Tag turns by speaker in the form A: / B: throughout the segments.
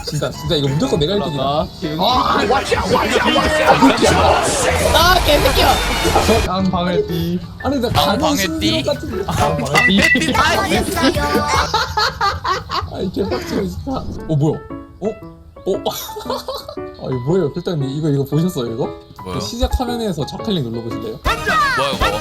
A: 진짜 이거 무조건 내가 1등이다.
B: 아 개새끼야.
C: 깡방을 띠.
A: 아니 나
D: 방해띠?
A: 같은.
C: 깡방을 띠.
A: 아이 개빡치네 진짜. 뭐야? 아 이거 뭐예요, 필단님? 이거 보셨어요 이거?
D: 뭐요?
A: 그 시작 화면에서 좌클릭 눌러보실래요?
D: 뭐야 이거?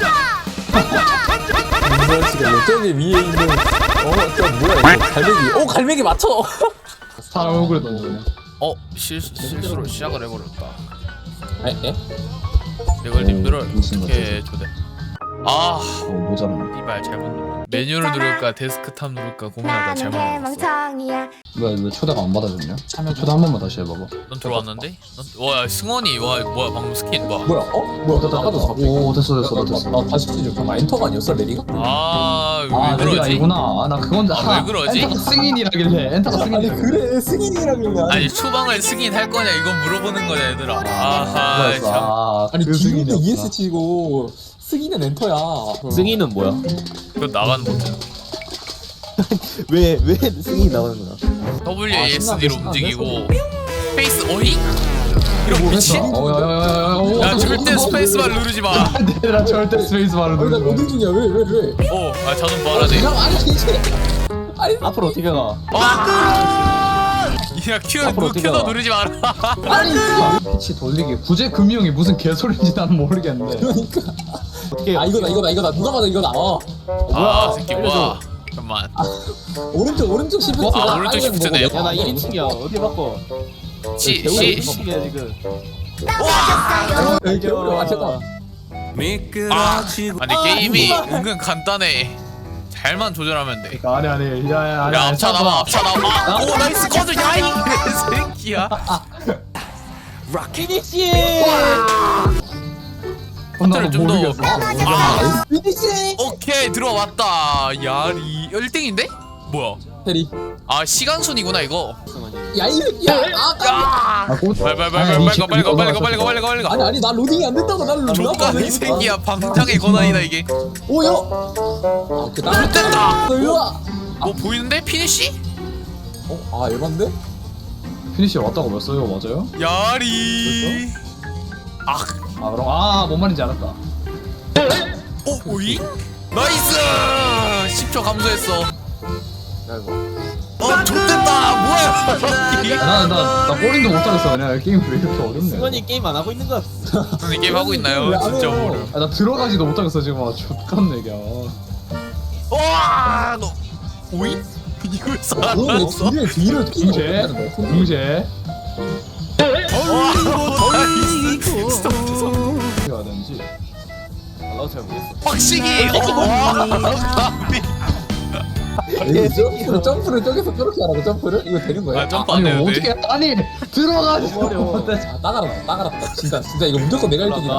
A: 지금 저기 위에 있는 저 뭐야 이거 갈매기. 갈매기 맞춰.
C: 사람 얼굴에 던져요.
D: 실수로 시작을 해버렸다.
A: 에?
D: 이걸 님들을
C: 무슨
D: 어떻게 초대? 아,
C: 모자라.
D: 이발 잘못 눌렀. 메뉴를 누를까 데스크탑 누를까 고민하다 잘못 눌렀어.
B: 멍청이야.
C: 왜 초대가 안 받아줬냐? 초대 한 번만 다시 해봐봐.
D: 넌 들어왔는데? 와 승원이 뭐야 방금 스킨 뭐야?
A: 뭐야? 뭐야? 나가도 잡혀.
C: 오 됐어.
A: 나 다시 치죠. 잠깐 엔터가 아니었어 레디가?
D: 아, 왜
C: 아 내가
D: 그러지?
C: 아니구나. 나 그건
D: 왜 그러지?
C: 엔터가 승인이라길래 엔터가
A: 아니
C: 승인이라길래.
A: 그래 승인이라길래.
D: 아니 초방을 승인할 거냐 이건 물어보는 거냐 얘들아. 아하 참.
A: 아니
C: 그
A: 기분도
C: 승인이었구나.
A: ES 치고 승인은 엔터야.
E: 승희는 뭐야?
D: 그건 나가는 거잖아.
E: 왜 승희 나가는구나.
D: WASD로
A: 신나네.
D: 움직이고 스페이스 어잉? 이런 미친?
C: 야야야야.
D: 야 절대 스페이스바 누르지 마.
C: 내가 절대 스페이스 바로
A: 아니 나
C: 누르지
A: 로딩 중이야. 왜?
D: 자동 말하네.
A: 아니 이제. 아니
E: 앞으로 어떻게 가?
D: 야
E: 앞으로 어떻게
D: 큐도
E: 가?
D: 누르지 마라.
A: 아니
C: 마. 피치 돌리기. 구제 금융이 무슨 개소리인지 나는 모르겠는데.
A: 그러니까.
E: 어떻게 가?
A: 이거다. 누가 봐도 이거다.
D: 아 새끼 뭐야? 잠깐만.
A: 오른쪽 시프트.
D: 오른쪽 시프트네.
E: 야 나 1인칭이야. 어디 바꿔?
D: C
E: 이야 지금.
A: 이렇게 어려워.
D: 아니 게임이 은근 간단해. 잘만 조절하면 돼.
C: 아니 야야야.
D: 야 앞차 나와. 오 나이스 커즈 야이 새끼야.
E: 피니시.
D: 컨트롤 좀 더.
A: 피니시.
D: 오케이 들어왔다. 야리 1등인데? 뭐야?
A: 테리.
D: 아 시간 순이구나 이거.
A: 야이 새끼야.
D: 빨리 가.
A: 아니 나 로딩이 안 된다고 나를
D: 조카 이 새끼야 방장의 권한이다 이게.
A: 오요.
D: 됐다.
A: 일로 와.
D: 뭐 보이는데 피니시?
A: 에반데?
C: 피니시 왔다고 봤어요, 맞아요?
D: 야리.
C: 아 그럼 뭔 말인지 알았다.
D: 오잉? 나이스. 10초 감소했어. 좋됐다. 뭐야?
C: 나 꼬린도 못하겠어. 그냥 게임 왜 이렇게 어렵네.
E: 승원이 게임 안 하고 있는 거.
D: 형님 게임 하고 있나요? 진짜 모르.
C: 나 들어가지도 못하겠어 지금. 족같네 이게.
D: 와, 너 오잉? 이걸 살았어?
A: 뒤를
C: 궁제.
D: 스톱.
C: 어떻게 해야 되는지.
E: 나도 잘 모르겠어.
D: 확실히.
A: 점프를 저기서 저렇게 하라고 점프를? 이거 되는 거야?
D: 점프 안
C: 아니
D: 되는데.
C: 어떻게 아니 들어가지
E: 어려워.
A: 나가랐다. 진짜 이거 무조건 내가 1등이다.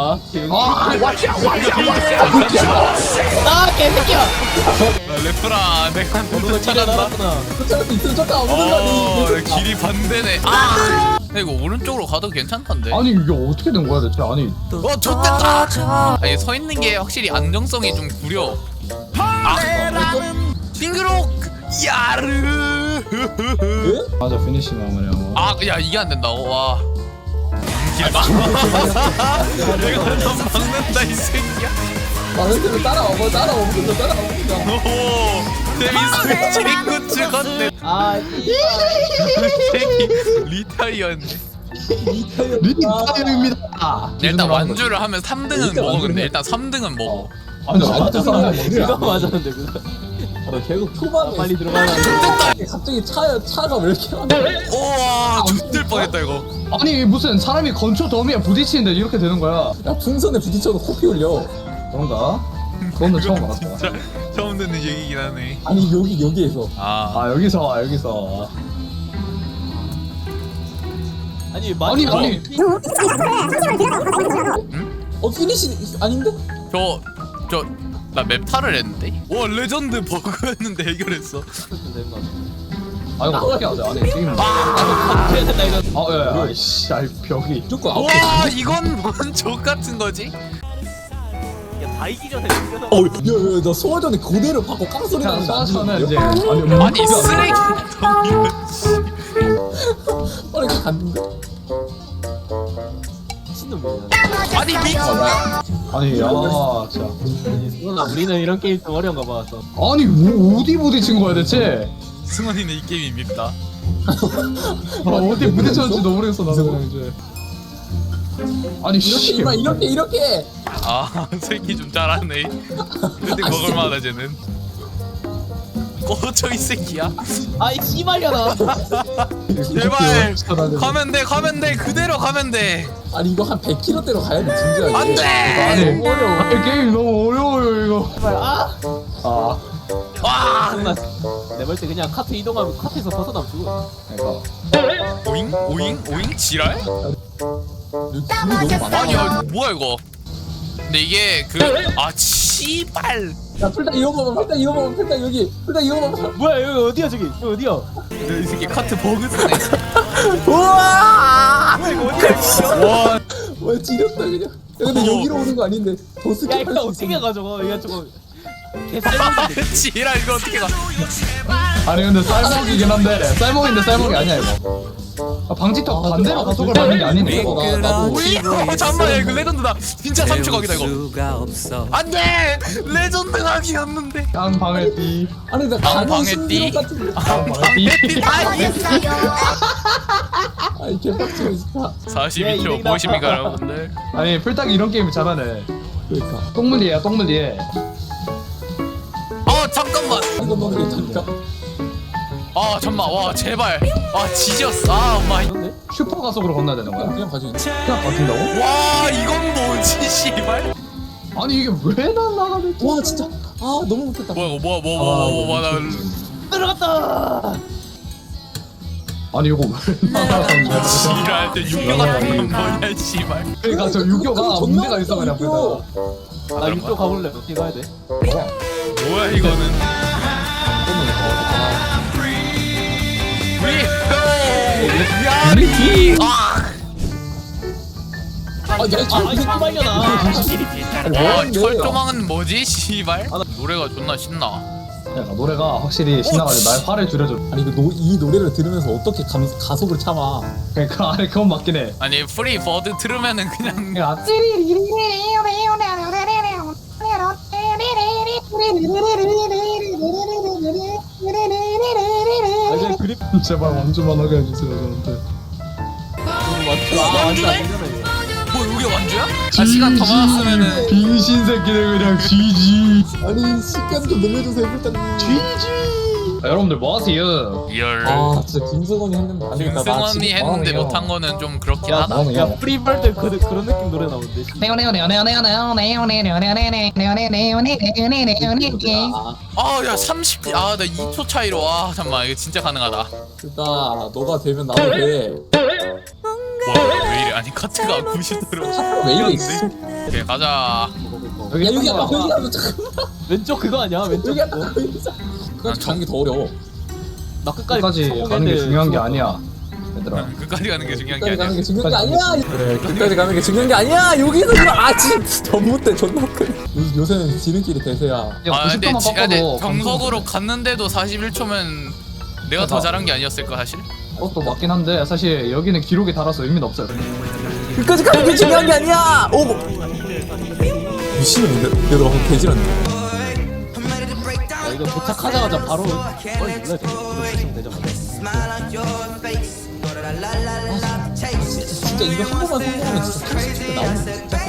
B: 아 개새끼야.
D: 레프라 내가 너도 찾았나?
A: 쫓아갈 있으면 쫓아가.
D: 길이 반대네. 근데 이거 오른쪽으로 가도 괜찮던데.
C: 아니 이게 어떻게 된 거야 대체. 아니
D: 좋됐다. 아니 서 있는 게 확실히 안정성이 좀 구려. 싱그록 야르.
C: 맞아 피니시 나오면.
D: 야 이게 안 된다고. 와. 길 막. 내가 넌 막는다 이 새끼야.
A: 근데 따라와보자.
D: 오, 재밌어. 친구 찍었네. 새끼 리타이언.
C: 리타임입니다.
D: 일단 완주를 하면 3등은 먹어. 근데 일단 3등은 먹어.
C: 아니
A: 완전
E: 그거 맞았는데 그거.
A: 결국 초반에
E: 빨리 들어가라.
A: 갑자기 차가 왜 이렇게 많아?
D: 우와, 죽들 뻔했다 이거.
C: 아니 무슨 사람이 건초 더미에 부딪히는데 이렇게 되는 거야.
A: 야 풍선에 부딪혀도 코피 흘려.
C: 그런가? 그건 처음 알았다.
D: 진짜 처음 듣는 얘기긴 하네.
A: 아니 여기에서.
C: 여기서.
E: 아니
A: 피니시 아닌데?
D: 나 맵타를 했는데? 와 레전드 버그였는데 해결했어.
C: 이거 어떻게 하자. 아니 게임.
E: 해야 된다 이거.
C: 야야. 씨, 벽이.
A: 무조건
D: 와 이건 뭔 족같은 거지?
E: 다 이기 전에
A: 야야 나 소화전에 그대로 받고 깡소리
C: 그냥
A: 나는데 안
C: 쏴서는 이제
A: 들리는데요?
D: 아니 쓰레기 덩이야.
A: 빠르게 갔는데.
E: 미친놈이야.
D: 아니 미
C: 아니 야 진짜.
E: 누나 우리는 이런 게임 좀 어려운가 봐. 또.
C: 아니 뭐 어디 부딪힌 거야 대체?
D: 승원이는 이 게임이 밉다.
C: 아 어디 부딪혔는지도 모르겠어 나도 그냥 이제. 아니 씨.
A: 이렇게.
D: 아 새끼 좀 잘하네. 근데 먹을만하다 쟤는. 꺼져 이 새끼야.
E: 아이 씨발려나.
D: 제발 가면 돼 그대로 가면 돼.
A: 아니 이거 한 100km대로 가야 돼 진지하게.
D: 안돼.
C: 아니 아니, 게임 너무 어려워요 이거.
E: 제발 아.
C: 아
D: 와.
E: 내볼 때 그냥 카트 이동하면 카트에서 벗어나면 죽어.
C: 그러니까.
D: 오잉 지랄?
A: 길이 너무 많아.
D: 아니야 뭐야 이거. 근데 이게 씨발.
A: 야 풀다 이거 봐봐. 여기. 풀다 이거 봐봐.
E: 뭐야 여기 어디야 저기? 여기 어디야?
D: 이 새끼 카트 버그 쓰네.
A: 우와.
D: 와.
A: 와 지렸다 그냥. 야, 근데 여기로 오는 거 아닌데 더
E: 야
A: 스킵할
E: 이거
A: 수
E: 어떻게
A: 있어.
E: 가지고 이거 저거 개살벌인데.
D: 지랄 이거 어떻게 가?
C: 아니 근데 쌀먹이긴 한데 쌀먹인데 쌀먹이 아니야 이거. 아, 방지턱 반대로 가속을 밟는 게 아니네.
A: 나도
D: 오잉? 잠깐만 야 이거 레전드다. 진짜 3초 각이다 이거. 안돼. 레전드 각이었는데.
C: 양 방을 띠.
A: 아니 나
D: 다음
A: 가는
D: 방에
A: 신기록
D: 띠.
A: 같은데.
C: 띠.
A: 아니 개빡치네 진짜.
D: 42초 보십니까 여러분들?
C: 아니 풀딱이 이런 게임 잘하네.
A: 그러니까.
C: 똥물리야 똥물리에.
D: 잠깐만.
A: 이거 먹는 게 다니까.
D: 잠만 와 제발. 지졌어. 엄마.
C: 슈퍼 가속으로 건너야 되는 거야.
A: 그냥 가지고.
C: 그냥 버틴다고?
D: 와 이건 뭐지 씨발.
C: 아니 이게 왜 난 나가는?
A: 와 진짜. 아 너무 못했다.
D: 뭐야 이거 뭐야 나
E: 들어갔다.
C: 아니 이거 왜 나가는 거야?
D: 지랄 때 육교 같은 건 뭐냐 씨발.
C: 그러니까 저 유교가 문제가 있어 그냥
A: 유교.
C: 보다.
E: 나 이쪽 가볼래. 어떻게 가야 돼?
D: 뭐야 이거는. 리아리.
A: 아야
E: 씨발려나.
D: 와 철조망은 뭐지 씨발? 노래가 존나 신나.
C: 그러니까 노래가 확실히 신나가지고 나의 화를 줄여줘.
A: 아니 이 노래를 들으면서 어떻게 가속을 참아?
C: 그러니까 아니 그건 맞긴 해.
D: 아니 프리 버드 들으면은 그냥
C: 야,
E: 아 이제 그립
C: 제발 완주만 하게 해주세요 저한테.
E: 완전 안 되잖아.
D: 뭐 여기 완주야? 시간 더 많았으면은
C: 빙신 새끼들 그냥 GG.
A: 아니 시간 좀 늘려주세요 일단.
C: 여러분들 뭐 하세요?
D: 열.
A: 아 진짜 김승원이 했는데 안 되겠다. 나
D: 김승원이
A: 지금
D: 했는데
A: 망하네요.
D: 못한 거는 좀 그렇긴
E: 야,
D: 하다.
A: 나는
E: 야
A: 그냥
E: 프리벌드 그런 느낌 노래 나오는데.
D: 야 30. 나 2초 차이로. 잠깐만 이거 진짜 가능하다.
A: 일단 너가 되면 나도 돼.
D: 왜 이래? 아니 카트가 90도로.
A: 왜 이래 있어?
D: 오케이 가자.
A: 야 여기 하면 잠깐만.
E: 왼쪽 그거 아니야? 왼쪽
A: 여기
E: 그거.
A: 하면 끝까지 가는 게 더 어려워.
E: 나
C: 끝까지 가는 게 중요한 게 아니야 얘들아.
D: 끝까지 가는 게 중요한 게
A: 끝까지 가는
D: 아니야.
A: 게 중요한 게 아니야. 그래 끝까지 가는 게 중요한 게 아니야. 여기서 이거 진짜 전봇대 존나 큰. 요새는 지름길이 대세야.
C: 야
D: 근데
C: 90도만
D: 근데
C: 꺾어도
D: 정석으로 갔는데도 41초면 내가 더 잘한 게 아니었을까 사실?
C: 그것도 맞긴 한데 사실 여기는 기록이 달아서 의미는 없어요.
A: 끝까지 가는 게 중요한 게 아니야. 오. 미친놈인데? 얘들아 방금 개지렸네.
E: 야, 이거 도착하자마자 바로 눌러야 돼. 이거 도착되자마자.
A: 진짜 이거 한 번만 성공하면 진짜 80대 나오는 거 진짜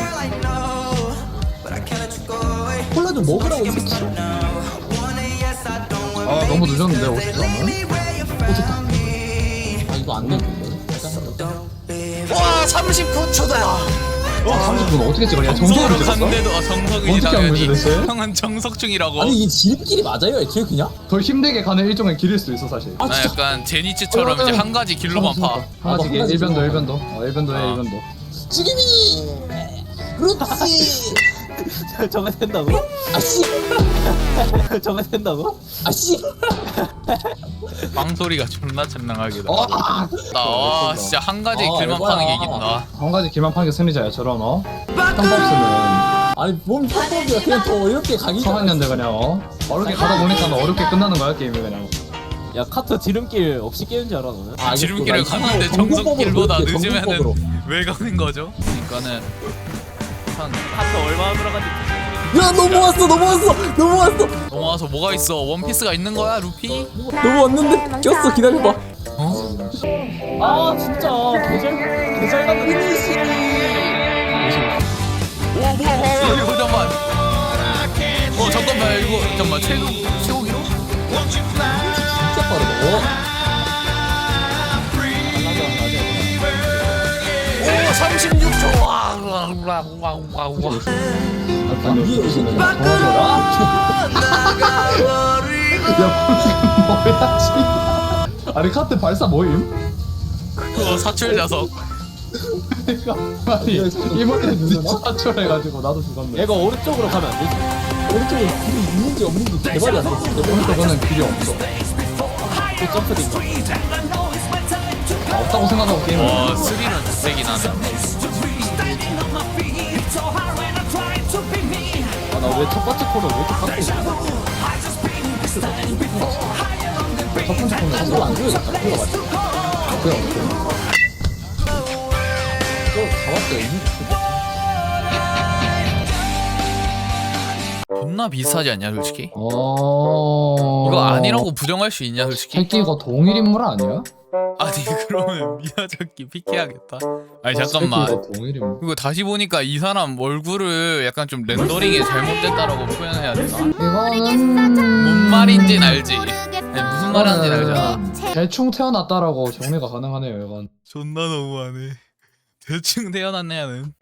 A: 콜라 좀 먹으라고 이 새끼.
C: 아 너무 늦었는데 50점은?
A: 아 이거 안 되는데.
D: 와 39초다.
C: 30분 어떻게 찍어? 야 정석으로 찍었어?
D: 갔는데도 정석이지
C: 어떻게 한 거지,
D: 당연히.
C: 대체?
D: 형은 정석 중이라고.
A: 아니 이 지름길이 맞아요 애초에 그냥?
C: 더 힘들게 가는 일종의 길일 수도 있어 사실.
A: 아
D: 나
A: 진짜.
D: 약간 제니츠처럼 이제 한 가지 길로만 파.
C: 하나씩
A: 한 가지
C: 1변도
A: 길로만
C: 1변도 1변도 해 1변도.
A: 지금이. 그렇지.
E: 저거 된다고?
A: 아씨.
E: 저거 된다고?
A: 아씨.
D: 빵소리가 존나 찬랑하게다.
C: 아!
D: 와 진짜 한 가지 길만
A: 이거야.
D: 파는 게 이긴다.
C: 한 가지 길만 파는 게 승리자야 저런 상법스는
A: 아니 뭔 편법이야 그냥 더 어렵게 가기.
C: 성학년들 그냥 어렵게 가다 보니까 어렵게 끝나는 거야 게임이 그냥.
E: 야 카트 지름길 없이 깨는 줄 알아 너는?
A: 아,
D: 지름길을
A: 알겠어. 나
D: 갔는데
A: 이거
D: 정석길보다
A: 정석법으로
D: 늦으면은
A: 정석법으로.
D: 왜 가는 거죠? 그러니까는 한
E: 카트 얼마나 들어간지
A: 야 넘어왔어.
D: 넘어와서 뭐가 있어? 원피스가 있는 거야, 루피?
A: 넘어왔는데 꼈어. 기다려봐.
D: 어?
E: 아 진짜 개잘 갔는데
D: 오, 뭐야, 이거 잠깐만. 잠깐만, 이거 잠깐만, 최고 기록?
A: 진짜 빠르다.
D: 오, 36초.
C: 뭐야 씨. 아니 카트 발사 뭐임?
D: 그거 사출 자석.
C: 아니 이번에 진짜 사출해가지고 나도 죽었네.
E: 얘가 오른쪽으로 가면 안 되지?
A: 오른쪽에 길이 있는지 없는지 개발이 안 됐어.
C: 오른쪽은 길이 없어.
E: 또 점프딩가
C: 없다고 생각하고 게임을.
D: 와, 3는 세긴 하네.
E: 아나 왜 첫 번째 코를 왜 이렇게 깎고 있어?
C: 첫 번째 코는
A: 이거 안 줘야겠다. 이거 맞지?
C: 그냥
A: 이거 다 왔어요.
D: 존나 비슷하지 않냐, 솔직히?
C: 어.
D: 이거 아니라고 부정할 수 있냐, 솔직히?
C: 새끼 이거 동일 인물 아니야?
D: 아니, 그러면 미야자키 픽해야겠다. 아니,
C: 새끼
D: 잠깐만.
C: 이거 동일 인물.
D: 이거 다시 보니까 이 사람 얼굴을 약간 좀 렌더링이 잘못됐다라고 표현해야 되나?
C: 이거는
D: 뭔 말인지는 알지? 아니, 무슨 말하는지는 알잖아.
C: 대충 태어났다라고 정리가 가능하네요 이건.
D: 존나 너무하네. 대충 태어났네, 야는.